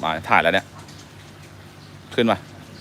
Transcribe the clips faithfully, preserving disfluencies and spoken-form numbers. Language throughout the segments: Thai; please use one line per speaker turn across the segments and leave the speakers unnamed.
มาถ่ายแล้วเนี่ยขึ้นมา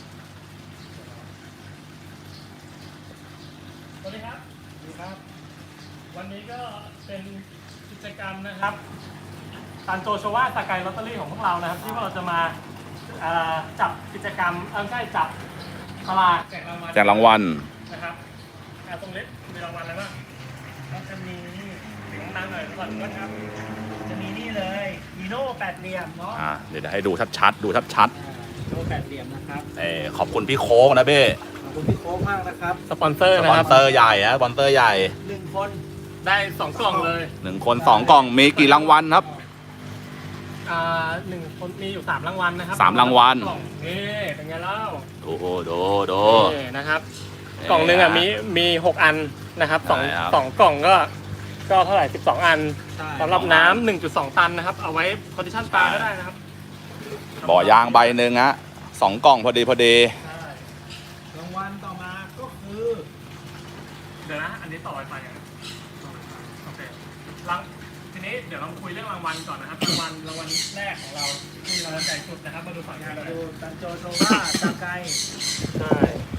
สวัสดีครับสวัสดีครับวันนี้ก็เป็นกิจกรรมนะครับตันโจโชวาสกายลอตเตอรี่ของพวกเรานะครับที่เราจะมาจับกิจกรรมเออใช่จับตลาดแจกรางวัล
แจกรางวัล
นะครับตรงนี้มีรางวัลอะไรบ้างก็จะมีถึงน้ำหน่อยก่อนนะครับจะมีนี่เลยฮีโร่แปดเหลี่ยมเนาะ
อ่าเดี๋ยวให้ดูชัดๆดูชัด
ๆฮีโร่แปดเหลี่ยมนะครับ
เออขอบคุณพี่โค้กนะเบ้
ขอบคุณพี่โค้กมากนะครับสปอนเซอร์
ส
นะ
ปอ
ครับ
นเซอร์ใหญ่ฮะสปอนเซอร์ใหญ่
หนึ่งคนได้สองกล่องเลย
หนึ่งคนสองกล่องมีกี่รางวัลครับ
อ่าหนึ่งคนมีอยู่สามรางวัลนะครับ
สามรางวัล
นี่เป็นไงเล่า
โอ้โหดูดู
นะครับกล่องหนึ่งอ่ะมีมีหกอันนะครับสองสองกล่องก็ก็เท่าไหร่สิบสองอันสำหรับน้ำหนึ่งจุดสองตันนะครับเอาไว้คอนดิชั่นปลาก็ได้นะครับ
บ่อยางใบหนึ่งฮะสองกล่องพอดีพอดี
รางวัลต่อมาก็คือเดี๋ยวนะอันนี้ต่อไปไปอย่างโอเครางทีนี้เดี๋ยวเราคุยเรื่องรางวัลก่อนนะครับรางวัลรางวัลแรกของเราที่เราใหญ่สุดนะครับมาดูฝั่งนี้เลยดูตันโจโชวาตาไกใช่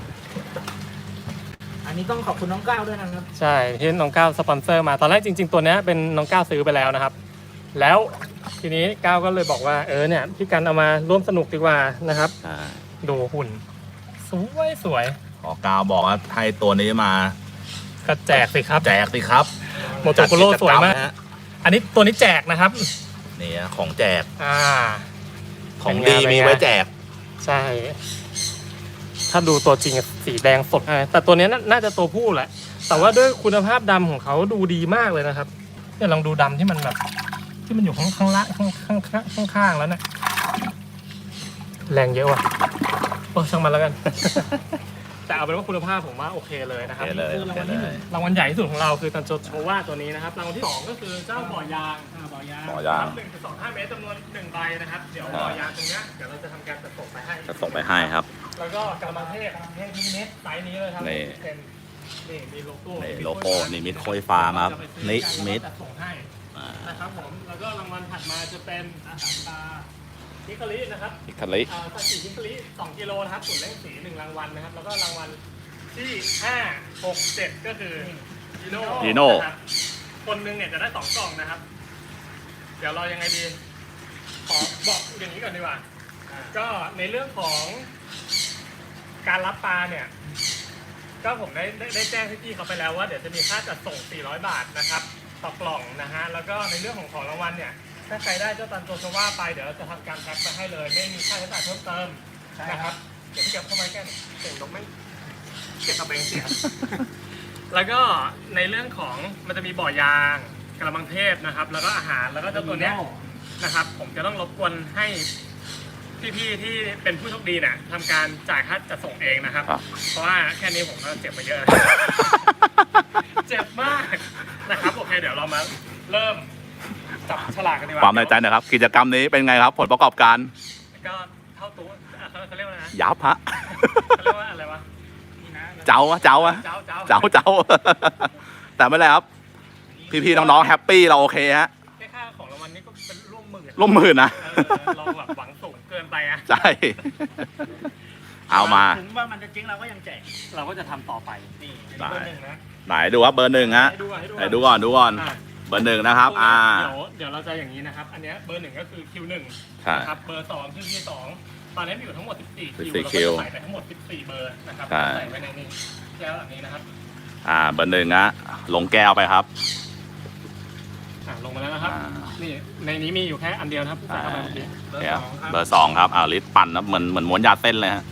อันนี้ต้องขอบคุณน้องก้าวด้วยนะครับใช่ที่น้องก้าวสปอนเซอร์มาตอนแรกจริงๆตัวนี้เป็นน้องก้าวซื้อไปแล้วนะครับแล้วทีนี้ก้าวก็เลยบอกว่าเออเนี่ยพี่กันเอามาร่วมสนุกดีกว่านะครับดูหุ่นสวยสวย
ขอก้าวบอกว่าให้ตัวนี้มา
ก็แจกสิครับ
แจกสิครับ
โมโตโคโร่สวยมากอันนี้ตัวนี้แจกนะครับ
นี่ของแจก
อ่า
ของดีมีไว้แจก
ใช่ถ้าดูตัวจริงสีแดงสดแต่ตัวนี้น่าจะตัวผู้แหละแต่ว่าด้วยคุณภาพดำของเขาดูดีมากเลยนะครับเนี่ยลองดูดำที่มันแบบที่มันอยู่ข้างข้างล่างข้างข้างข้างข้างแล้วเนี่ยแรงเยอะว่ะโอ้ช่างมันแล้วกันแต่เอาเป็นว่าคุณภาพผมว่าโอเคเลยนะครับนี่คือรางวัลที่หนึ่งรางวัลใหญ่ที่สุดของเราคือตันโจโชวาตัวนี้นะครับรางวัลที่สองก็คือเจ้าบ่อยางบ่อยาง
บ่อยาง
หนึ่งจุดสองห้าเมตรจำนวนหนึ่งใบนะครับเดี๋ยวบ่อยางตรงนี้เดี๋ยวเราจะทำการจัดส่งไปให้
จะส่งไปให้ครับ
แล้วก็กระมังเทพกระมังเทพนิมิตไซส์นี้เลยครับนี่นี่มีโลโก้
นี่โลโก้นิมิตโคยฟาร์มครับนิมิต
ส่งให้นะครับผมแล้วก็รางวัลถัดมาจะเป็นอาหารปลาฮิคารินะครับ
ฮิคาริ
อ่าสัตว์สีฮิคาริสองกิโลนะครับส่วนเล่งสีหนึ่งรางวัลนะครับแล้วก็รางวัลที่ห้า หก เจ็ดก็คือฮีโน่
ฮีโน่
คนหนึ่งเนี่ยจะได้สองกล่องนะครับเดี๋ยวเรายังไงดีขอบอกอย่างนี้ก่อนดีกว่าก็ในเรื่องของการรับปลาเนี่ยก็ผมได้ได้แจ้งพี่ๆเขาไปแล้วว่าเดี๋ยวจะมีค่าจัดส่งสี่ร้อยบาทนะครับต่อกล่องนะฮะแล้วก็ในเรื่องของของรางวัลเนี่ยถ้าใครได้เจ้าตันโจโชวาไปเดี๋ยวเราจะทำการแพ็คไปให้เลยไม่มีค่าใช้จ่ายเพิ่มเติมนะครับเดี๋ยวพี่เก็บเข้าไปแค่เสียงนกไม่เก็บกระเบงเสียแล้วก็ในเรื่องของมันจะมีบ่อยางกระมังเทพนะครับแล้วก็อาหารแล้วก็เจ้าตัวเนี้ยนะครับผมจะต้องรบกวนให้พี่ๆที่เป็นผู้โชคดีเนี่ยทำการจ่ายค่าจัดส่งเองนะครับเพราะว่าแค่นี้ผมก็เจ็บมาเยอะเจ็บมากนะครับโอเคเดี๋ยวเรามาเริ่มจับฉลากกันดีกว่า
ความในใจนะครับกิจกรรมนี้เป็นไงครับผลประกอบการ
ก็เท่าตัวเขาเรียกว่าอะไรนะ
ยับฮะ
เขาเรียกว่าอะไรวะ
เจ้าเจ้าเจ้าเจ้าเจ้าแต่ไม่เลยครับพี่ๆน้องๆแฮปปี้เราโอเคฮะ
แค่ค่าของรางวัลนี้ก็เป็นร่วมหมื่น
ร่วมหมื่นนะ
เราแบบหวังสูงเกินไปอ่ะ
ใช่เอามา
ถึงว่ามันจะจริงเราก็ยังแจกเราก็จะทำต่อไปนี่เบอร์หนึ่งนะ
ไหนดูว่าเบอร์หนึ่งฮะไหนดูก่อนดูก่อนเบอร์หนึ่งนะครับอ่า
เดี๋ยวเดี๋ยวเราจะอย่างนี้นะครับอันนี้เบอร์หนึ่งก็คือคิวหนึ่งนะครับเบอร์สองคือคิวสองตอนนี้มีอยู่ทั้งหมดสิบสี่คิวเราก็จะใส่ไปทั้งหมดสิบสี่เบอร์นะครับใส่ไว้ในนี้แก้วอันนี้นะครับ
อ่าเบอร์หนึ่งนะลงแก้วไปครับ
อ่าลงมาแล้วนะครับนี่ในนี้มีอยู่แค่อันเดียวนะครับ
เบอร์สองเบอร์สองครับอ่าลิตปั่นนะเหมือนเหมือนม้วนยาเส้นเลยฮะ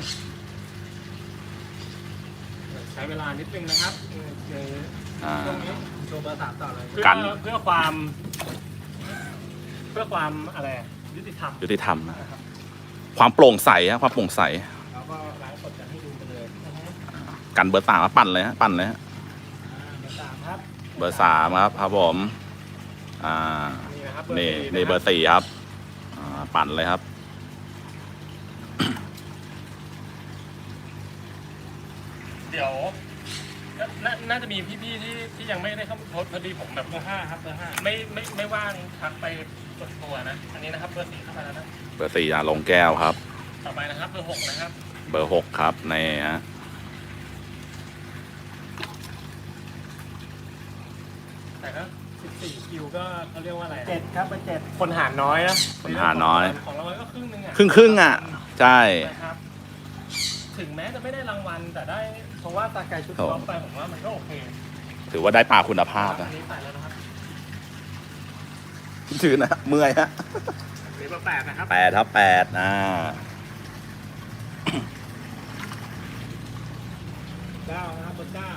ใช้เวลานิดนึงนะครับช่วงนี้โชว์เบอร์สามต่อเลย
กัน
เพื่อความเพื่อความอะไรยุติธรรม
ยุติธรรมนะครับความโปร่งใสฮะความโปร่งใส
แล้วก็ไลฟ์สดจะให้ดูกันเลย
กันเบอร์สามปั่นเลยฮะปั่นเลยฮะ
เบอร์สามครับ
เบอร์สามครับครับผมอ่านี่นี่เบอร์สี่ครับอ่าปั่นเลยครับ
เดี๋ยวน่าจะมีพี่ๆที่ที่ยังไม่ได้เข้าพอดีผมแบบเบอร์ห้าครับเบอร์ห้าไม่ไม่ไม่ว่างทักไปกดตัวนะอันนี้นะครับเบอร์สี่เข้ามาแล้วนะ
เบอร์สี่อ่ะลงแก้วครับ
ต่อไปนะครับเบอร์หกนะครับ
เบอร์หกครับในฮะ
แต่ก็สิบสี่คิวก็เขาเรียกว่าอะไร
เจ็ดครับเบอร์เจ็ด
คนหารน้อยนะ
คนหารน้อย
ของรางวัลก็ครึ่งหนึงอ่ะ
ครึ่งครึ่งๆอ่ะ ใช่
นะครับถึงแม้จะไม่ได้รางวัลแต่ได้เพราะว่าตาไก่ชุด
ครับ
ท็อปไปผมว่ามันก็โอเค
ถือว่าได้ปลาคุณภาพ
อั
นะ
นนี้ใส่แล้วนะครับ
ชื่อนะเมื่อยฮะ
อันนี้เบอร์แปดนะครับ
แปดครับแปดอ่า
เก้านะครับเบอร์เก้า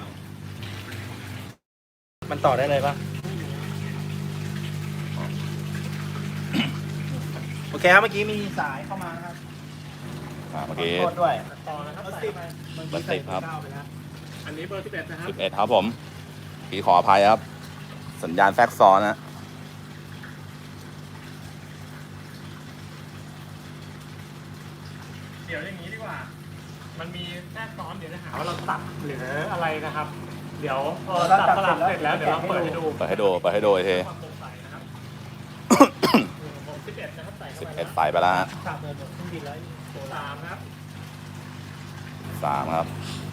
มันต่อได้เลยปะโอเคครับเมื่อกี้มีสายเข้ามานะครับ
อ่าเมื่อกี้
ขโทษด้วย
ต่อนะครับ
เบอร์
ใส่
สิบ
เข้าไป
เบอร์สิบครับ
เก้าไปแล้ว
อันนี้เบอร์สิบเอ็ดนะครับ
สิบเอ็ดครับผมพี่ขออภัยครับ สัญญาณแทรกซ้อนนะ
เดี๋ยวอย่างนี้ดีกว่า มันมีแทรกซ้อนเดี๋ยวจะหาว่าเราตัดหรืออะไรนะครับ เดี๋ยวพอตัดสลับเสร็จแล้วเดี๋ยวเราเปิดให้ดู
เปิดให้ดูเปิดให้ดูอีกที
ความโปร่งใสนะครับผมสิบเอ็ดนะครับใส่เข้า
สิบ
ไป
เอ็ด
แล้ว
ใส่ไปแล้วฮะ
สามเดือนหมดเครื่องบินแล้ว
สามครับ
สามครับ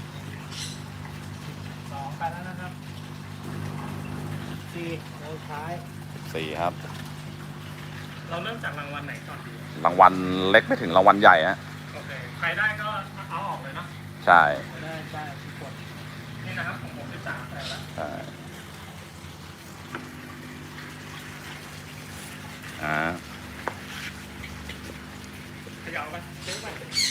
สองไปแล้วนะครับสี่เราท้าย
สี่ครับ
เราเริ่มจากรางวัลไหนก่อนดี
รางวัลเล็กไม่ถึงรางวัลใหญ่ฮะ
โอเค ใครได้ก็เอาออกเลยเนาะ
ใช่
ได้ได้ทุกคน
นี่นะครับของผมที่สามใส่แล้ว
ใช่อ่า
ขยับไปซื้อไป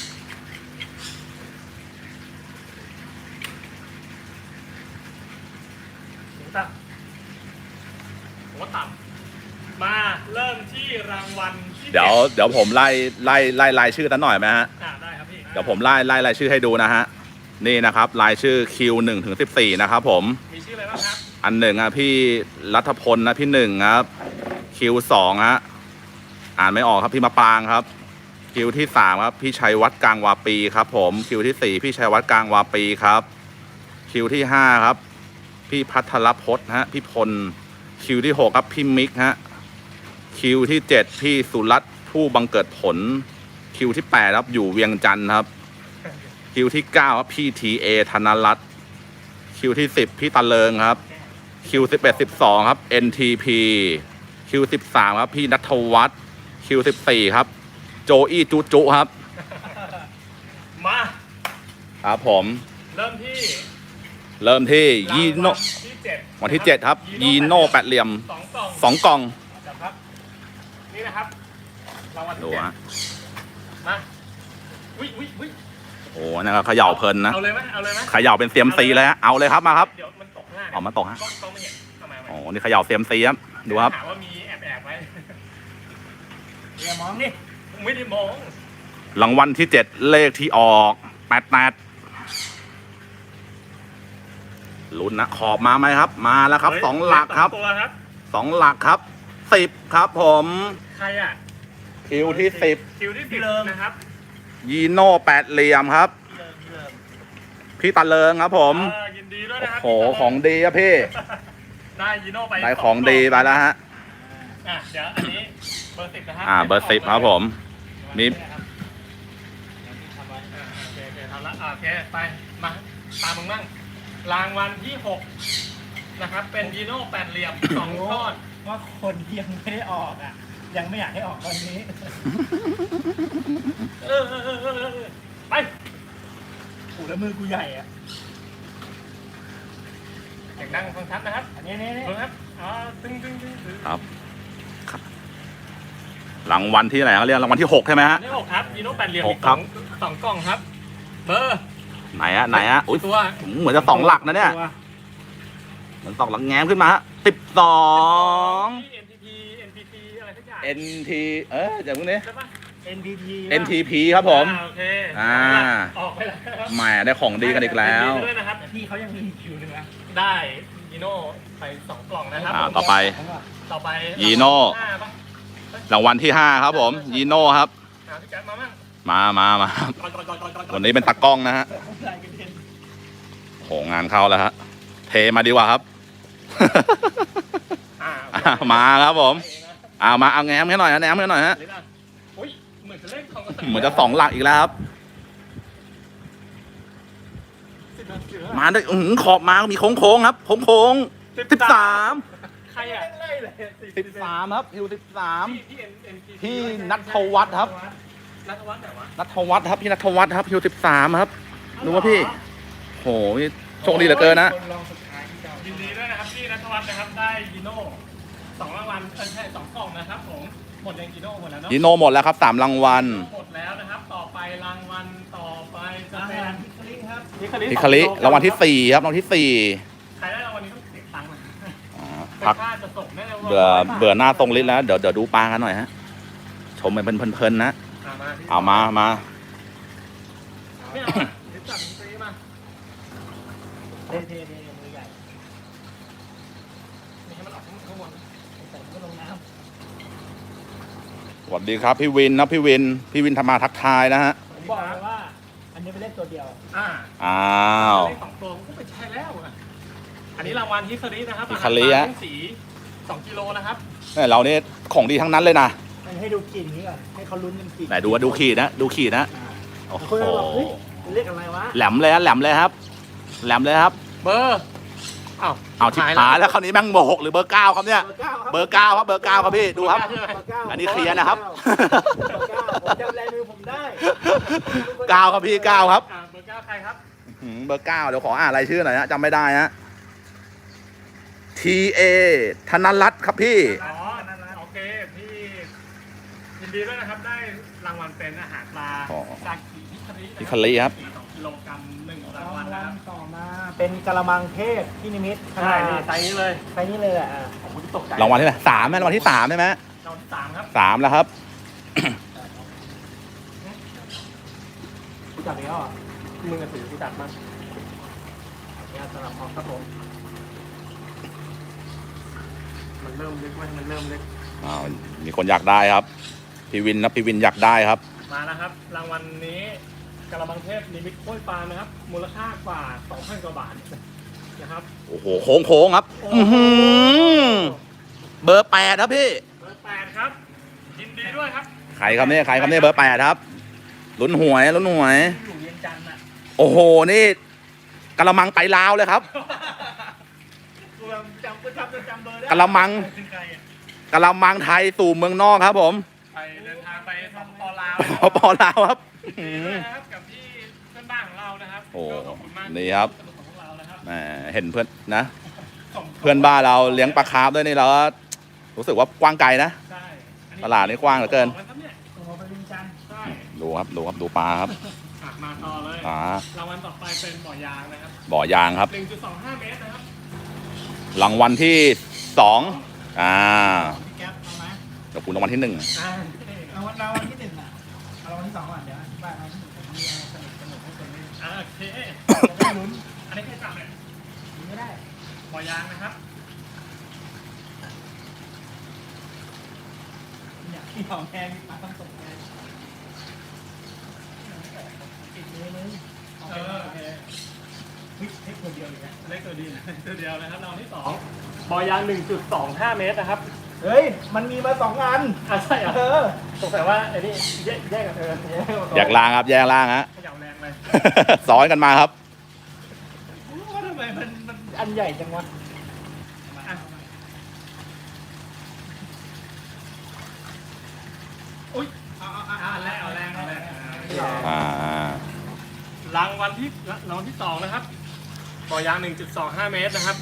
ถึงต่ำผมว่าต่ำมาเริ่มที่รางวัลที่
เดี๋ยว
จ็
เดี๋ยวผมไล่ไล่ไล่รายชื่อกันหน่อยไหมฮะ
อ่าได้ครับพี่
เดี๋ยวผมไล่ไล่รายชื่อให้ดูนะฮะ นี่นะครับรายชื่อคิวหนึ่งถึงสิบสี่นะครับผม
มีชื่ออะไรบ้างครับ
อันหนึ่งอ่ะพี่รัฐพลนะพี่หนึ่งครับคิวสองฮะอ่านไม่ออกครับพี่มะปรางครับคิวที่สามครับพี่ชัยวัฒน์กลางวาปีครับผมคิวที่สี่พี่ชัยวัฒน์กลางวาปีครับคิวที่ห้าครับพี่พัทรพจน์ฮะพี่พลคิวที่หกครับพี่มิกฮะคิวที่เจ็ดพี่สุรัตน์ผู้บังเกิดผลคิวที่แปดครับอยู่เวียงจันทร์ครับคิวที่เก้าครับพี่ทีเอธนรัตน์คิวที่สิบพี่ตะเลิงครับคิวสิบเอ็ดสิบสองครับ เอ็น ที พี คิวสิบสามครับพี่ณัฐวัฒน์คิวสิบสี่ครับโจอี้จุจุครับ
มา
ครับผม
เริ่มที่
เริ่มที่ยีโน
รางวัลที่เจ็ด
วันที่เจ็ดครับยีโน่แปดเหลี่ยม
สองกล่อง
สองกล่อง
จับครับ นี่นะครับรางวัล
ดู
ที่เจ็ด
ฮะ
มาวิวิวิ
โอ้นะครับเขย่าเพลินนะ
เอาเลยไหมเอาเลยไหม
เขย่าเป็นเซียมซีเลยฮะเอาเลยครับมาครับ
เดี๋ยวมันตกหน้า
ออกมาตกฮะ
ต้องต้องไม่เห็นทำไม
โอ้นี่เขย่าเซียมซีครับดูครับ
ถามว่ามีแอบแอบๆไว้
อย่ามองนี่
ไม่ได้มอง
รางวัลที่เจ็ดเลขที่ออกแปดแปดลุ้นนะขอบมาไหมครับ มาแล้วครับ
เฮ้ย
สองหลักครับ
สองตัวครับ
สองหลักครับสิบครับผม
ใครอ่ะ
คิวที่สิบ
คิวที่สิบนะครับ
ยีโน่แปดเหลี่ยมครับ
เริ่มเริ่ม
พี่ตะเลิงครับผม
เออยินดีด้วยนะครับ
โอ้โหของดีครับพี่
ได้ยีโน่ไป
ได้ของดีไปแล้วฮะ
อ่ะเดี๋ยวอันนี้เบอร์สิบนะครั
อ่าเบอร์สิบครับผม นี่
อ่าโอเคโอเคทำละอ่าโอเคไปมาตามมึงบ้างรางวัลที่หกนะครับ เป็นยีโน่แปดเหลี่ยมสองก้อน
ว่าคนที่ยังไม่ได้ออกอ่ะ ยังไม่อยากให้ออกวันนี้
เออเออเออเออเออไป
โอ้แล้วมือกูใหญ่อ่ะ
เสียงดังฟังชัดนะครับ
อันนี้นี่นี่
ดูนะครับอ๋อตึ้งตึ้งตึ้งตึ้ง
ครับครับรางวัลที่ไหนเขาเรียกรางวัลที่หกใช่ไหมฮะ
นี่หกครับยีโน่แปดเหลี่ยม
ห
อี
ก
ก
ครั
สอบ งสองกล่องครับ เบอร์
ไหนฮะไหนฮะอุ้ย
ตัว
เหมือนจะสองหลักนะเนี่ย
ตัว
เหมือนสองหลักแง้มขึ้นมาฮะสิบสอง
ที่ เอ็น พี พี เอ็น พี พี อะไรสักอย่าง
เอ็น ที เออจากพวกนี้
ใช่ปะ
เอ็น พี ที
เอ็น ที พี ครับผม
อ่าโอเค
อ่า
ออกไปแล้วครับ
แหมได้ของดีกันอีกแล้ว
ยินดีด้วยนะครับ
แต่พี่เขายังมีอีกคิวหนึงนะ
ได้ยีโน่ไปสองกล่องนะครับ
อ่าต่อไป
ต่อไป
ยีโน่
ห้าปะ
รางวัลที่ห้าครับผมยีโน่ครับ
อ่าพี่แจ๊คมามั่ง
มามามา
ก่อนก่อนก่อนก่อนก่อน
วันนี้เป็นตากล้องนะฮะ
ลายกระเด็น
โหงานเข้าแล้วฮะเทมาดีกว่าครับ
อ่า
อ่ะมาครับผม
ไป
เอามาเอาแง้มให้หน่อยนะแง้มให้หน่อยฮะ
นี่นะอุ้ยเหมือนจะเล่นของกระสื
เหมือนจะสองหลักอีกแล้วครับ
สิบนาทีแล้ว
มาด้วยอื้อหือขอบมามีโค้งโค้งๆครับโค้งโค้งสิบสาม
ใครอ่ะ
ไล่เลย
สิบสามครับฮิวสิบสาม
พี่พี่เอ็นเอ็นพี
พี่นัทวัฒน์ครับ
นัทวัฒน์ไหนวะ
นัทวัฒน์ครับพี่นัทวัฒน์ครับฮิวสิบสามครับรู้ว่าพี่โหนี่โชคดีเหลือเกินนะ
คนลองสุดท้ายที่เจ้า
ยินดีด้วยนะครับพี่นัทวัฒน์นะครับได้ยีโน่สองรางวัลเออใช่สองกล่องนะครับผมหมดยังยีโน่หมดแล้วเนาะ
ดิโนหมดแล้วครับสามรางวัล
หมดแล้วนะครับ ต่อไปรางวัลต่อไปจะ
อา
เป็
หาร
น
พิคลิงครับ
นิคาริ
พิคาริรางวัลที่สี่ครับรางวัลที่สี่
ใครได้รางวัลนี้ต้องเสียตังค์นะ
อ่า
เป็น
พัก
ค่าจะส่งแน่เลย
เบื่อเบื่อหน้าตรงลิ้นแล้วเดี๋ยวเดี๋ยวดูปลากันหน่อยฮะชมไปเพลินๆนะ
อ่ะมาพี่
เอามามา
ไม่เอาอ่ะเดี๋ยวจับมันซื้อมา
เทเทเทมือใหญ่
ไม่ให้มันออกข้างบน
ใส่ก็ลงน้
สวัสดีครับพี่วินนะพี่วินพี่วินทำมาทักทายนะฮะ
ำผมบอกเลยว่า อันนี้เป็นเลขตัวเดียว
อ่า
อ้าว
เลขสองตัวก็ไม่ใช่แล้วอ่ะอันนี้รางวัลฮิคารินะครับ
ฮิคาริ
อาหา
ฮะ
ปลาสีสองกิโลนะครับ
เนี่ยเราเนี่ยของดีทั้งนั้นเลยนะ
มันให้ดูกลิ่นนี้ก่อนให้เขาลุ้นกันกลิ่น
ไหนดูว่าดูขีดนะดูขีดนะ
อ่า
โอ้โห
คนเราบอกเฮ้ยเป็นเลขอะไรวะ
แหลมเลยฮะแหลมเลยครับ แหลมเลยครับ
เบอร์อ้าว
เอาทิพหายแล้วคราวนี้แม่งเบอร์หกหรือเบอร์เก้าครับเนี่ย
เบอร์เก้าครับ
เบอร์เก้าครับเบอร์เก้าครับพี่ดูครับ
ใช่ไหม
เบอร์เก้า
อันนี้เคลียร์นะครับ
เบอร์เก้าผมจำลายมือผมได้
เก้าครับพี่เก้าครับ
อ่าเบอร์เก้าใครครับ
หืมเบอร์เก้าเดี๋ยวขออ่านรายชื่อหน่อยฮะจำไม่ได้ฮะ T A ธนรัตน์ครับพี่
อ๋อนั่นนะโอเคพี่ยินดีด้วยนะครับได้รางวัลเป็นอาหารปลา
อ๋อ
ซากิฮิคารินะ
ฮิคาริครับ
สองกิโลกรัมหนึ่งราง
ราง
วั
วั
ล
ล
นะครับ
ต่อมา เป็นกะละมังเทพที่นิมิต
ใช่นี่ไซส์นี้เลย
ไปนี่เลยอ่ะ
ผมก็ตกใจ
รางวัลที่ไหนสามไหมรางวัลที่สามใช่ไหม
รางวัลที่สามครับ
สามแล้วครับ
จับอีกแล้วเหรอ
มึงกับถือที่จัดมา
เนี่ยสำหรับออกครับผม
มันเริ่มลึกไหมมันเริ่มลึก
อ้าวมีคนอยากได้ครับ พี่วินนะพี่วินอยากได้ครับ
มาแล้วครับ รางวัลนี้กระมังเทพนิมิตกล้วยปลานะครับ มูลค่ากว่าสองพันกว่าบาทนะครับ
โอ้โหโค้งโค้งๆครับ อื้อหือเบอร์แปดครับพี่
เบอร์แปดครับยินดีด้วยครับ
ใครครับเนี่ยใครครับเนี่ยเบอร์แปดครับลุ้นหวยลุ้นหวย
อยู่เวียงจันทร์อ่ะ
โอ้โหนี่กะละมังไปลาวเลยครับ
กูจำกูจำจำเบอร์ได้
กะละมัง
เป็นใครอ่ะ
กะละมังไทยสู่เมืองนอกครับผม
ไปเดินทางไปสปปลาว
พอปอลาวครับ
ยินดีด้วยนะครับกับที่เพื่อนบ้านของเรานะครับ
โอ้
ก็ขอบคุณมาก
นี่ครับ
ที่สนับสนุนของเรานะครับ
แหมเห็นเพื่อนนะ
ส่ง
เพื่อนบ้านเราเลี้ยงปลาคาร์ฟด้วยนี่เราก็รู้สึกว่ากว้างไกลนะ
ใช่อันนี้
ตลาดนี่กว้างเหลือเกิน
ขบคุณครับเนี่ย
โอ้โหไปเวียงจันทร์
ใช่
ดูครับดูครับดูปลาครับ
อ่ะมาต่อเลย
อ่าร
างวัลต่อไปเป็นบ่อยางนะครับ
บ่อยางครับ
หนึ่งจุดสองห้าเมตรนะครับ
รางวัลที่สองอ่า
พี่แก๊ปเอาไหม
เดี๋ยวคุณรางวัลที่หนึ่ง
อ่า
เอาวันเราวันที่หนึ่งอ่ะเอาวันที่สองก่อนเดี๋ยวอธิบายเอาที่หนึ่งผมมีอะไรสนุกสนุกให้คนได้
อ่าโอเค
ได้ลุ้น
อันนี้แค่จับเลย
ยิงไม่ได้
บ่อยางนะครับ
เนี่ยที่ของแพงมาต้องส่งแพงอีกมือนึง
เออโอเค
เฮ้ยให้คนเดียวเลยนะ
เลขตัวเดียวตัวเดียวนะครับรางวัลที่สองบ่อยางหนึ่งจุดสองห้าเมตรนะครับ
เฮ้ยมันมีมาสองอัน
อ่าใช่เหร
เอ
อ
อ
สงสัยว่าไอ้นี่แยกแยกกันเออ
แยกล่างครับแยกล่างฮะ
เขย่าแรงเลย
ซ้อนกันมาครับ
ว่าทำไมมันมันอันใหญ่จังวะ
อ่ะอุ้ย
เอาเอา
อ่า
เอา
แรงเอาแรงเอาแรง
อ่าร
างวัลที่รางวัลที่สองนะครับบ่อยางหนึ่งจุดสองห้าเมตรนะครับ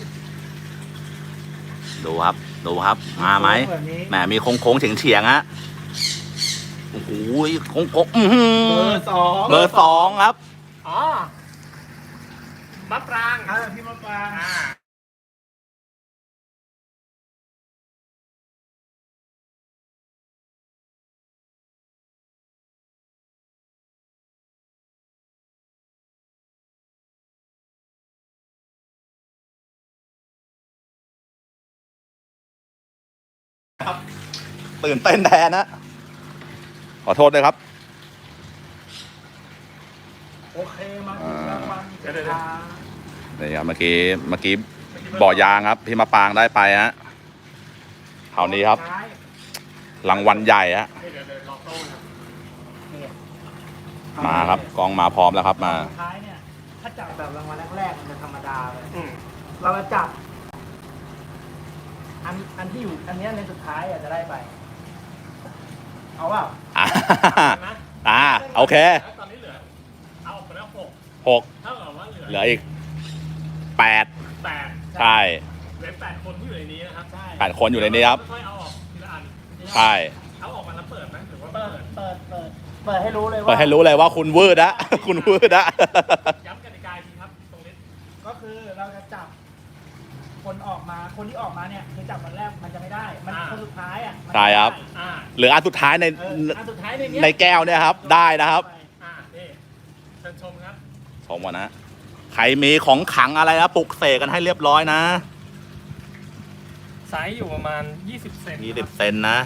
ดูครับดูครับมาไหม
แบบนี้
แหมมีโค้งโค้งๆเฉียงเฉียงๆฮะโอ้โหโค้งโค้งๆอื้อหื
เบอ
อ
ร์สอง
เบอร์สองครับ
อ๋อมะปราง
อ่าพี่มะปราง
อ่า
ตื่นเต้นแทนนะขอโทษด้วยครับ
โอเคมาถึงรางวัล
เดี๋ยวเดี๋ยวเดี๋ยว
นี่ครับเมื่อกี้เมื่อกี้บ่อยางครับพี่มาปางได้ไปฮะคราวนี้ครับ
ท้าย
รางวัลใหญ่ฮะ
เดี๋ยวเดี๋ยวรอโต้นะ
นี่
มาครับกองมาพร้อมแล้วครับมา
สุดท้ายเนี่ยถ้าจับแบบรางวัลแรกๆมันจะธรรมดาเลย
อืม
เราจะจับ อันอันที่อยู่อันเนี้ยในสุดท้ายอ่ะจะได้ไป เอาเปล่า
อ่า
นะ
อ่าโอเค
ตอนนี้เหลือเอาออกไปแล้วหก
หก
เท่ากับว่าเหลือ
เหลืออีกแปด
แปด
ใช่
เหลือแปดคนที่อยู่ในนี้นะครับ
ใช่
แปดคนอยู่ในนี้ครับ
ค่อยๆเอาออกทีละอัน
ใช่
เอาออกมาแล้วเปิดไหมหรือว่า
เปิ
เปิ
ด
ด
เปิดเปิดเปิดให้รู้เลยว่า
เปิดให้รู้เลยว่าคุณวืดอะ คุณวืดอะ
ย้ำกติกาอีกทีครับตรงนี้
ก็คือเราจะจับ คนออกมาคนที่ออกมาเนี่ยคือจับวันแรกมันจะไม่ได้ มันคนสุดท้ายอ่ะมัน
ใช่ครับ
อ่า
เหลืออันสุดท้ายใน
เอออันสุดท้ายในเนี้ย
ในแก้วเนี่ยครับ ได้นะครับ
อ่านี่เชิญชมครับ
ชมก่อนนะใครมีของขลังอะไรนะปลุกเสกกันให้เรียบร้อยนะ
ไซส์อยู่ประมาณยี่สิบเซน
ยี่สิบเซนนะ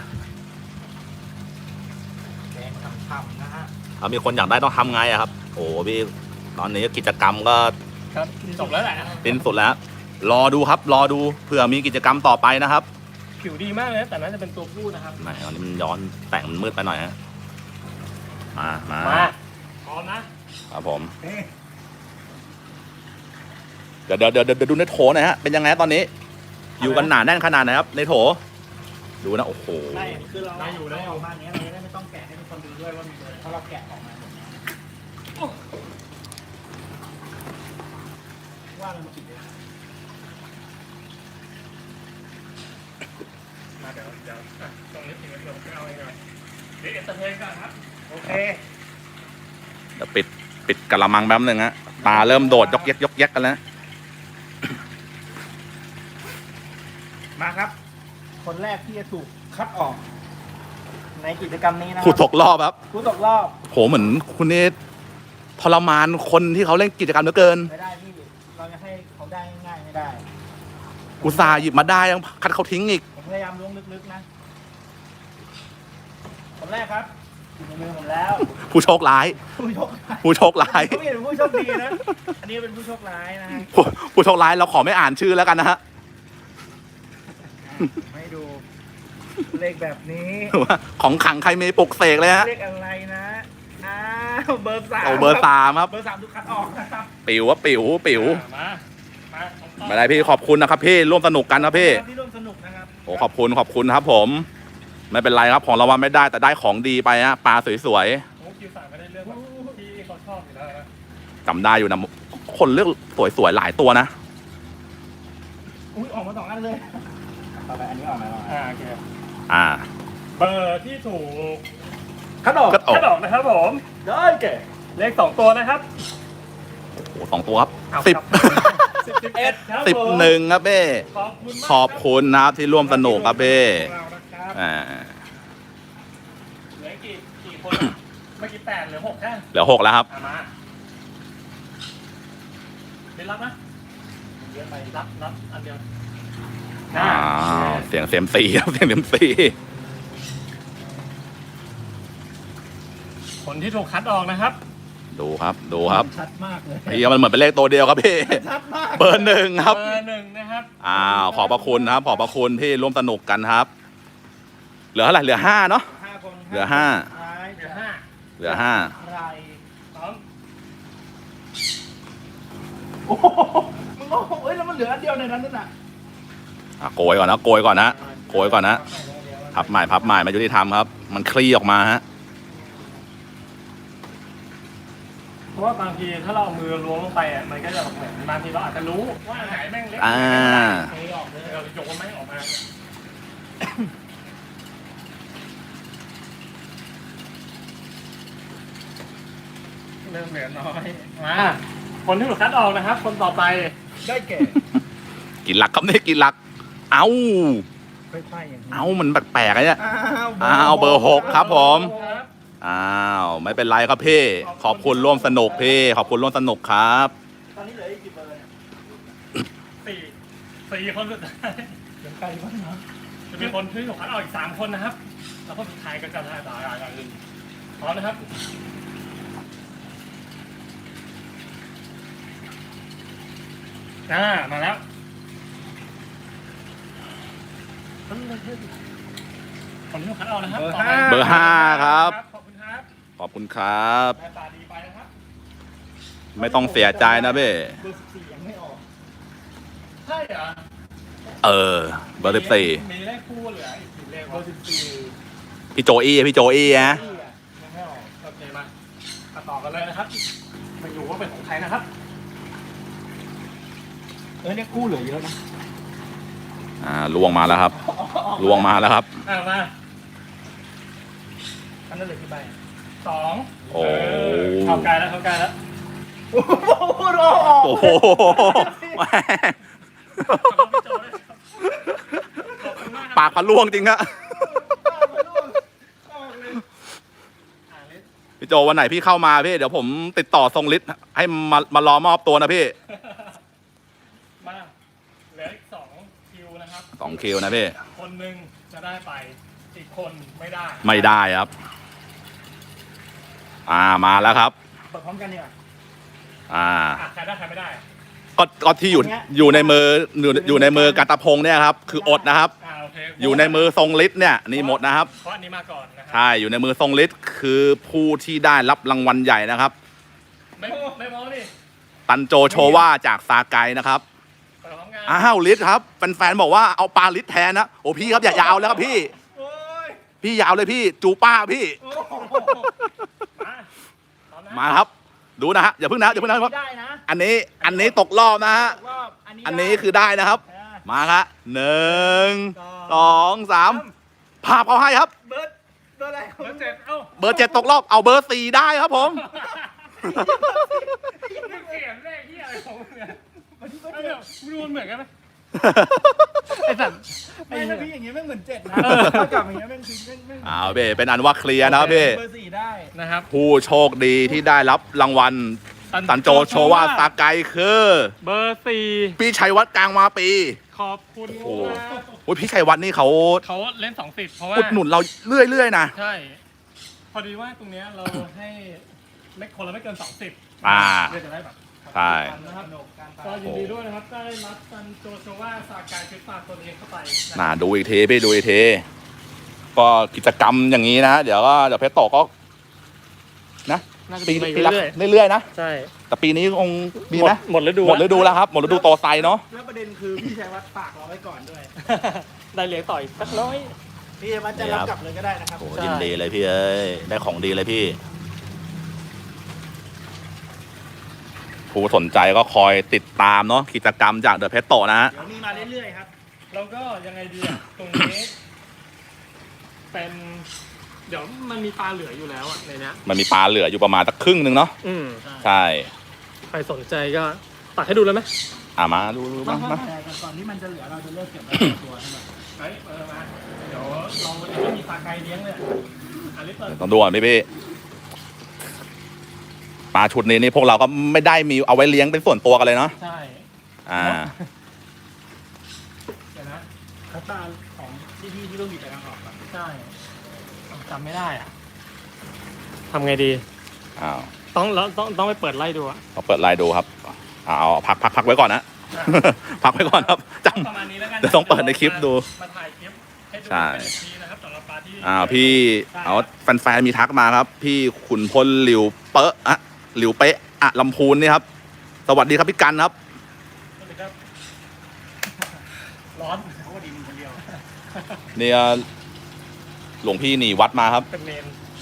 แดงฉ่ำๆนะฮะ
ถ้ามีคนอยากได้ต้องทำไงอะครับ โอ้โหพี่ตอนนี้กิจกรรมก็
ครับจบแล้วแหละ
สิ้นสุดแล้ว รอดูครับรอดูเผื่อมีกิจกรรมต่อไปนะครับ
ผิวดีมากเลยนะแต่น่าจะเป็นตัวผู้นะครับ
ไหนตอนนี้มันย้อนแต่งมันมืดไปหน่อยฮะมามา
มาพร้อมนะครับ
ผม เดี๋ยวเดี๋ยวเดี๋ยวเดี๋ยวดูในโถหน่อยฮะเป็นยังไงตอนนี้ อยู่กันหนาแน่นขนาดไหนครับในโถ ดูนะโอ้โห
ไม่คือเราเอาเราออกมาเนี้ยเราจะได้ไม่ต้องแกะให้ทุกคนดูด้วยว่ามีเบอร์อะไรเพราะเราแกะออกมาหมดแล้วว่ามันมากี่เดือน
มาเดี๋ยวเดี๋ยวอ่ะตรงนี้ถึงเดี๋ยวผมไปเอาเองก่อนเดี๋ยวเอ็นเตอร์เทนก่อนครับ
โอเค
เดี๋ยวปิดปิดกระมังแป๊บนึงฮะปลาเริ่มโดดยกแยกยกแยกกันแล้ว
มาครับ คนแรกที่จะถูกคัดออก ในกิจกรรมนี้นะค
ผู้
รั
ตกรอบครับ
ผู้ตกรอบ
โหเหมือนคุณนี่ทรมานคนที่เขาเล่นกิจกรรมเหลือเกิน
ไม่ได้พี่เราจะให้เขาได้ง่ายๆไม่ได้
อุตส่าห์หยิบมาได้ยังคัดเขาทิ้งอีก
ผมพยายามล้วงลึกๆนะ คนแรกครับอยู่ในมือผมแล้ว
ผู้โชคร้าย
ผู้โชคร้าย
ผู้โชคร้าย
เขาไม่เป็นผู้โชคดีนะ อันนี้เป็นผู้โชคร้ายนะฮะ
ผู้ผู้โชคร้ายเราขอไม่อ่านชื่อแล้วกันนะฮะ
ให้ดู เลขแบบนี้
ว่าของขังใครมีปลุกเสกเลยฮะ
เลขอะไรนะ อ้าวเบอร์สาม
เอาเบอร์สามครับ
เบอร์สามถูกคัดออกนะครับ
ปิ๋วว่าปิ๋วปิ๋ว
มามาของต่อ
ไม่ได้พี่ขอบคุณนะครับพี่ร่วมสนุกกันนะพี่
ที่ร่วมสนุกนะครับ
โอ้ขอบคุณขอบคุณครับผม ไม่เป็นไรครับของรางวัลไม่ได้แต่ได้ของดีไปฮะปลาสวย
โอ้คิวสามไม่ได้เลือกแบบที่เขาชอบอยู่แล้วนะ
ๆจำได้อยู่นะคนเลือกสวยๆหลายตัวนะ
อุ้ยออกมาสองอันเลยต่อไปอันนี้ออกมาแล้ว
อ่าโอเค
อ่า
เบอร์ที่ถูก
คัดออก
คัดออก
ถ้าดอกนะครับผม
ได้แก่
เลขสองตัวนะครับ
โอ้สองตัวครับ
เอา
สิบ
ครับสิบสิบเอ็ดครับ
สิบ
ผม
หนึ่งครับพี่
ขอบคุณมาก
ขอบคุณนะครับที่ร่วมสนุกครับพี่
เรานะครับ
อ่า
เหลือกี่กี่คนอะเมื่อกี้แปดเหลือหกแค่
เหลือหกแล้วครับ
อ่ะมาเป็นรับนะเยอะไปรับรับอันเดียว
อ่าเสียงเสียมซีครับเสียงเสียมซี
คนที่ถูกคัดออกนะครับ
ดูครับดูครับ
ชัดมากเลย
พี่มันเหมือนเป็นเลขตัวเดียวครับพี่
ชัดมาก
เบอร์หนึ่งครับ
เบอร์หนึ่งนะครับ
อ้าวขอบพระคุณครับขอบพระคุณที่ร่วมสนุกกันครับ เหลือเท่าไหร่เหลือห้าเนาะ
ห้าคน
เหลือห้า
ท้าย
เหลือห้า
เหลือห้า
ใคร
พร้อม
โอ้โหมึงโอ้โหเอ้ยแล้วมันเหลืออันเดียวในนั้นนั่นน่ะ
อ่ะโกยก่อนนะโกยก่อนนะโกยก่อนนะพับใหม่พับใหม่มายุติธรรมครับ มันคลี่ออกมาฮะ
เพราะว่าบางทีถ้าเราเอามือล้วงลงไปอ่ะมันก็จะแบบเหมือนบางทีเราอาจจะรู้ว่าอันไหนแม่งเล็ก
อ่า
อันไหนออกเลยเราจะยกมันไม่ออกมาเริ่มเหลือน้อยมาคนที่ถูกคัดออกนะครับ คนต่อไป
ได้แก่
กินหลักครับนี่กินหลัก เอ้า
ค่อยๆอย่างนี้
เอ้ามันแปลกๆอะเนี่ย
อ้าว
อ้าวเบอร์หกครับผม
ครับ
อ้าวไม่เป็นไรครับพี่ ขอบคุณร่วมสนุกพี่ ขอบคุณร่วมสนุกครับ
ตอนนี้เหลืออีกกี่เบอร์เนี่ย
สี่สี่คนสุดท้าย
เหลือใครบ้างนะ
จะมีคนที่ถูกคัดออกอีกสามคนนะครับ แล้วคนสุดท้ายก็จะได้ต่ออย่างอื่นพร้อมนะครับอ่ามาแล้วคนที่คัดเอานะครับ
เบอร์
ต่ไป
ห้า
เบอร์ห้าครับ
ขอบคุณครับ
ขอบคุณครับ
ได้ตาดีไปนะครับ
ไม่ต้องเสียใจนะเบ้
เบอร์สิบสี่ยังไม่ออก
ใช่เหรอ
เออ เบอร์สิบสี่
มีเลขคู่เหลืออีกสี่เลข
เบอร์สิบสี่
พี่โจอี้พี่โจอี้นะ
ที่อ่ะ
ยังไม่ออกโอเคมามาต่อกันเลยนะครับไม่รู้ว่าเป็นของใครนะครับ
เออเนี่ยกู้เหลือเยอะนะ
อ่าล่วงมาแล้วครับล่วงมาแล้วครับ
อ่ามา
อันนั้นเหลือกี่ใบ
สอง
โอ้
เเข้าใกล้แล้วเข้าใกล้แล้ว
โอ้โหรอออก
โอ้โหแม่ง
ขอบคุณพี่โจด้วยครับขอบคุณมากครับ
ปากพันล่วงจริงฮะ
อ่าเลข
พี่โจวันไหนพี่เข้ามาพี่เดี๋ยวผมติดต่อทรงฤทธิ์ให้มามารอมอบตัวนะพี่
มาเหลืออีกสองคิวนะครับ
สองคิวนะพี่
คนหนึ่งจะได้ไปอีกคนไม่ได้
ไม่ได้ครับ อ่ามาแล้วครับ
เปิดพร้อมกันดีกว่า
อ่า
อ่ะใครได้ใครไม่ได้
ก็ก็ที่อยู่
อันเนี้ย
อยู่ในมืออยู่อยู่ในมือกัตพงษ์เนี่ยครับคืออดนะครับ
อ่าโอเค
อยู่ในมือทรงฤทธิ์เนี่ยนี่หมดนะครับ
เพราะอันนี้มาก่อนนะครั
ใช่อยู่ในมือทรงฤทธิ์คือผู้ที่ได้รับรางวัลใหญ่นะครับ
ไม่ไม่มองนี่
ตันโจโชว่าจากซาไกนะครับ
เปิดพร้อมกัน
อ้าวฤทธิ์ครับแฟนๆบอกว่าเอาปลาฤทธิ์แทนนะโอ้พี่ครับอย่ายาวแล้วครับพี่
โอ้ย
พี่ยาวเลยพี่จูป้าพี่
โอ้โห
มาพร้อมนะ
มาครับ ดูนะฮะอย่าเพิ่งนะอย่าเพิ่งนะครับ
ได้นะ
อันนี้อันนี้ตกรอบนะฮะ
รอบอันนี้
อันนี้
ได้
คือได้นะครับ
อ่า
มาครับหนึ่ง
ส
ส
อง
องสามภาพเขาให้ครับ
เบิร์ดเบอร์อะไร
เบอร์เจ็ดเอ้า
เบอร์เจ็ดตกรอบเอาเบอร์สี่ได้ครับผม
ไม่เขียนเลขที่อะไรของมึงเนี่ย
วันนี้เบอร์
เอ้า
เจ็
เดี๋
ด
ยวมึงดูมันเหมือนกันไหมไอ้สัตว์
ไอ้ถ้าพี่อย่างงี้แม่งเหมือนเจ็ดนะ
เออ
ถ้ากลับอย่างเงี้ยแม่งคือแม่งแม่ง
อ้าวเบ้เป็นอันว่าเคลียร์นะครับเบ้
เบอร์สี่ได้
นะครับ
ผู้โชคดีที่ได้รับรางวัลตันโจโชว่าซาไกคือ
เบอร์สี่
พี่ชัยวัฒน์กลางมาปี
ขอบคุณ
โอ้
ครับ
โอ้ยพี่ชัยวัฒน์นี่เขา
เขาเล่นสองสิบเพราะว่า
อุดหนุนเราเรื่อยๆนะ
ใช่ พอดีว่าตรงเนี้ยเราให้ไม่คนละไม่เกินสองสิบ
อ่า
เพื่อจะได้แบบ
ใช่
นะครับ
สนุกการไป
ก็ยินดีด้วยนะครับ ได้รับซันโจโชว่าซากายฟิตปาตัวเองเข้าไปนะ
น่าดูอีกทีพี่ดูอีกทีก็กิจกรรมอย่างนี้นะ เดี๋ยวก็เดี๋ยวเพชรโตก็นะ
น่าจะ
ปี
มีไป
ปีละ
เรื่อย
เรื่อยๆนะ
ๆใช่
แต่ปีนี้คงมี
หม
ไหม
ดหมดฤดู
หมดฤดูแล้วครับหมดฤดูโตไซเนาะ
แล้วประเด็นคือพี่ชัยวัฒน์ฝากเราไว้ก่อนด้วย
ได้เลี้ยงต่อยสักน้อย
พี่ชัยวัฒน์จะรับกลับเลยก็ได้นะครับ
โอ้
ใช่
ยินดีเลยพี่เอ้ยได้ของดีเลยพี่ ผู้สนใจก็คอยติดตามเนาะกิจกรรมจากเดอะเพชรโตนะฮะ
เดี๋ยวมีมาเรื่อยๆครับ
แล้วก็ยังไงดีอ่ะ ตรงนี้ เป็น เดี๋ยวมันมีปลาเหลืออยู่แล้วอ่ะในเนี้ย
มันมีปลาเหลืออยู่ประมาณสักครึ่งหนึ่งเนาะ
อืม
ใช่
ใครสนใจก็ตักให้ดูเลยไหม
อ่ะมาดูดูมามา
แต่ก่อนที่มันจะเหลือเราจะเลิกเก็บไว้ในตัวให้หมด
เฮ้ยเออมา เดี๋ยวเราจะไม่มีปลาไก่เลี้ยงเลยอันนี้เปิด
ต้องดูก่อนพี่พี่ปลาชุดนี้นี่พวกเราก็ไม่ได้มีเอาไว้เลี้ยงเป็นส่วนตัวกันเลยเนาะ
ใช่
อ่า
เดี๋ยวนะ
คัตตาของที่พี่ที่ต้องมีแต่ทางออกก่อน
ใช่จำไม่ได้อ่ะทำไงดี
อ้าว
ต้องแล้วต้องต้องไปเปิดไล่ดูอ่ะ
เราเปิดไลน์ดูครับเอาพักพักพักไว้ก่อนนะ พักไว้ก่อนครับจ
ประมาณนี้แล้วกัน
เดี๋ยวต้องเปิดในคลิปดู
มาถ่ายคลิปให้ดู
ใช่
เป็นอีกทีนะครับสำหรับปลาที่
ำอ่าพี่เอาแฟนๆมีทักมาครับ พี่ขุนพลหลิวเป๊ะอะหลิวเป๊ะอะลำพูนนี่ครับ สวัสดีครับพี่กันครับ
สวัสดีครับร้อน
เขาก็ดีมึงคนเดียว
เนี่ยหลวงพี่หนีวัดมาครับ
เป็นเมน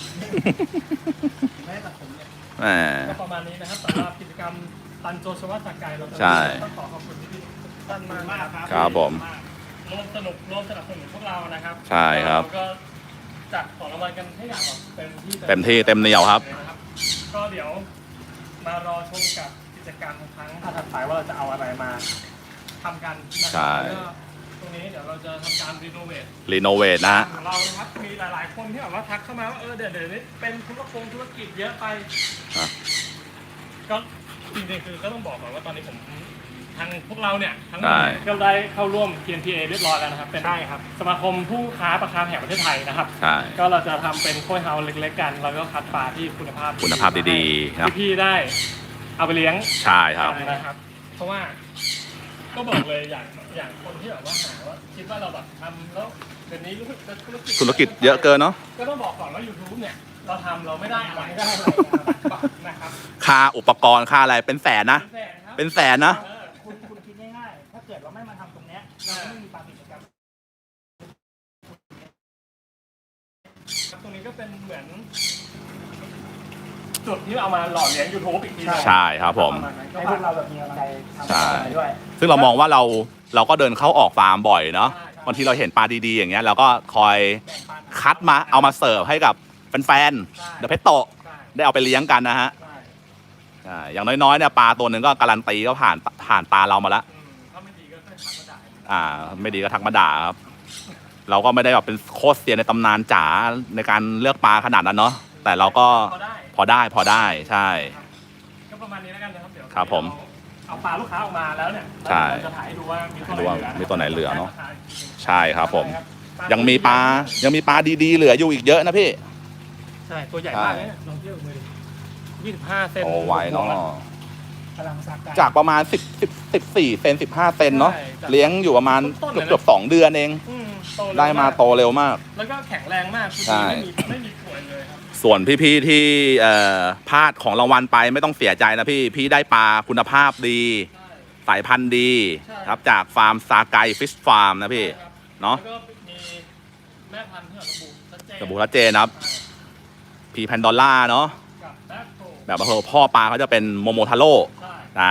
ไม่ได้ตัดผมเนี่ย
แหม
ก็ประมาณนี้นะครับสำหรับกิจกรรมตันโจชวัตสกายเราจะ
ใช่
ต้องขอขอบคุณพี่ๆท่านมาก
มาก
นะ
ค
ค
รั
รั
บบ
ครับผม
ร่วมสนุกร่วมสนับสนุนพวกเรานะครับ
ใช่ครับ
เราก็จัดของรางวัลกันให้อย่างแบบเต็มที่
เต็มที่เต็มเหนียวครับ
เลยนะครับก็เดี๋ยวมารอชมกับกิจกรรมครั้งถัดไปว่าเราจะเอาอะไรมาทำกันนะค
ใช่
รัแล้วก็ตรงนี้เดี๋ยวเราจะทำการรีโนเวท
รีโนเวทนะฮะ
ของเรานะครับมีหลาย ๆ คนที่แบบว่าทักเข้ามาว่าเออเดี๋ยวเดี๋ยวนี้เป็นธุรกงธุรกิจเยอะไป
อ่ะ
ก็จริง ๆ คือก็ต้องบอกก่อนว่าตอนนี้ผมทางพวกเราเนี่ยทั้งหม
ใช่
ดก็ได้เข้าร่วม ที เอ็น พี เอ เรียบร้อยแล้วนะครับเป็น
ใช่ครับ
สมาคมผู้ค้าปลาคาร์ฟแห่งประเทศไทยนะครับ
ใช่
ก็เราจะทำเป็นโค้ยเฮาส์เล็ก ๆ กัน แล้วก็คัดปลาที่คุณภาพ
คุณภาพดีๆครับ
ที่พี่ได้เอาไปเลี้ยง
ใช่ครับ
นะครับ เพราะว่าก็บอกเลยอย่างอย่างคนที่แบบว่าหาว่าคิดว่าเราแบบทำแล้วเดี๋ยวนี้รู้สึกจะธุรกิจ
ธุรกิจเยอะเกินเนาะ
ก็ต้องบอกก่อนว่า YouTube เนี่ยเราทำเราไม่ได้อะไร
ไม่ได้อะไรนะครับ
นะครับ
ค่าอุปกรณ์ค่าอะไรเป็นแสนนะ
เป็นแสนครับ
เป็นแสนนะ
เออ
คุณคุณคิดง่ายๆถ้าเกิดเราไม่มาทำตรงเนี้ยเราก็ไม่มีปาปิดครับ
ครับตรงนี้ก็เป็นเหมือนจุดที่เอามาหล่อเลี้ยง YouTube อีกทีหนึ่ง
ใช่ครับผม
ประาณนั้นก็
ให้พวกเราแบบมีกำลังใจทำ
ใช่
อะไรด้วย
ซึ่งเรามองว่าเราเราก็เดินเข้าออกฟาร์มบ่อยเนาะ
ใช่
บางทีเราเห็นปลาดีๆอย่างเงี้ยเราก็คอย
แบ่งปัน
คัดมาเอามาเสิร์ฟให้กับแฟน
ใช่
ๆเดอะเพชโต
ใช่
ได้เอาไปเลี้ยงกันนะฮะ
ใช่
ใช่อย่างน้อยๆเนี่ยปลาตัวหนึ่งก็การันตีก็ผ่านผ่านตาเรามาแล้ว
อืมถ้าไม่ดีก็ค่อยทักมาด่า
อ่า ไม่ดีก็ทักมาด่าครับ เราก็ไม่ได้แบบเป็นโค้ชเซียนในตำนานจ๋าในการเลือกปลาขนาดนั้นเนาะแต่เราก็
พอได้
พอได้พอได้ใช่
ก็ประมาณนี้แล้วกันนะครับเดี๋ยว
ครับผม
เอาปลาลูกค้าออกมาแล้วเนี่ย
ใช่
เราจะถ่ายให้ดูว่ามีตัวไหน
ดูว่า
เหลือ
มีตัวไหนเหลือเนอะ
ใช่
ใช่ครับผม
ครับ
ยังมีปลายังมีปลาดีๆเหลืออยู่อีกเยอะนะพี่
ใช่ตัวใหญ่มากเลยเนี่ยลองเทียบมือยี่สิบห้าเซน
โอ้ไหวเนาะ
พลังสักการ
จากประมาณสิบสิบสิบสี่เซนสิบห้าเซนเนาะ
ใช่จาก
เลี้ยงอยู่ประมาณ
ต้นๆ
เกือบ
เลยนะ
เกือบสองเดือนเอง
อืมโตเร็ว
ได้มาโตเร็วมาก
แล้วก็แข็งแรงมากคือ
ใช่
ไม่มีไม่มีป่วยเลยครับ
ส่วนพี่ๆที่เอ่อพลาดของรางวัลไปไม่ต้องเสียใจนะพี่ พี่ได้ปลาคุณภาพดี
ใช่
สายพันธุ์ดี
ใช่
ครับจากฟาร์มซาไกฟิชฟาร์มนะพี่
ครับ
เนาะ
แล้วก็มีแม่พันธุ์ที่ระบุชัดเจน
ระบุชัดเจนนะครับพีแพนดอลล่าเนาะ
กับแบ็คโก
แบบว่าพ่อปลาเขาจะเป็นโมโมทาโร่
ใช่
อ่า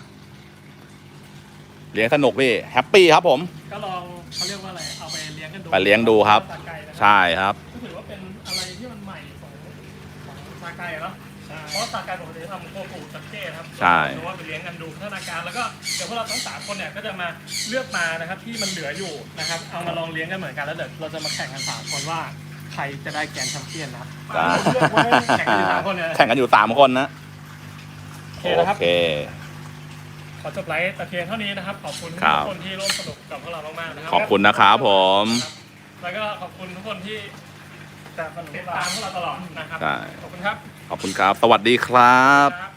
เลี้ยงสนุกพี่แฮปปี้ครับผม
ก็ลองเขาเรียกว่าอะไรเอาไปเลี้ยงกันดู
ไปเลี้ยงดูครับ
ซาไกนะครับ
ใช่ครับ
ก็ถือว่าเป็นอะไรที่มันใหม่ของของซาไกเนาะเพราะซาไกปกติทำโคฟูจักเก้ครับ
ใช่
หรือว่าไปเลี้ยงกันดูพัฒนาการแล้วก็เดี๋ยวพวกเราทั้งสามคนเนี่ยก็จะมาเลือกมานะครับที่มันเหลืออยู่นะครับเอามาลองเลี้ยงกันเหมือนกันแล้วเดี๋ยวเราจะมาแข่งกันสามคนว่าใครจะได้แกรนด์แชมเปี้ยนนะครับ
จ้า
เลือกไว้แข่งกันอยู่สามคนเนี่ย
แข่งกันอยู่สามคนนะ
โอเคนะครับ
โอเค
ขอจบไลฟ์แต่เพียงเท่านี้นะครับ ขอบคุณทุ
ครับ
กคนที่ร่วมสนุกกับพวกเรามากๆนะครั
ขอบคุณนะครับผม
แล้วก็ขอบคุณทุกคนที่ติดตามพวกเราตลอดนะครับ
ใช่
ขอบคุณครับ
ขอบคุณครับ สวัสดีครับ
ครับ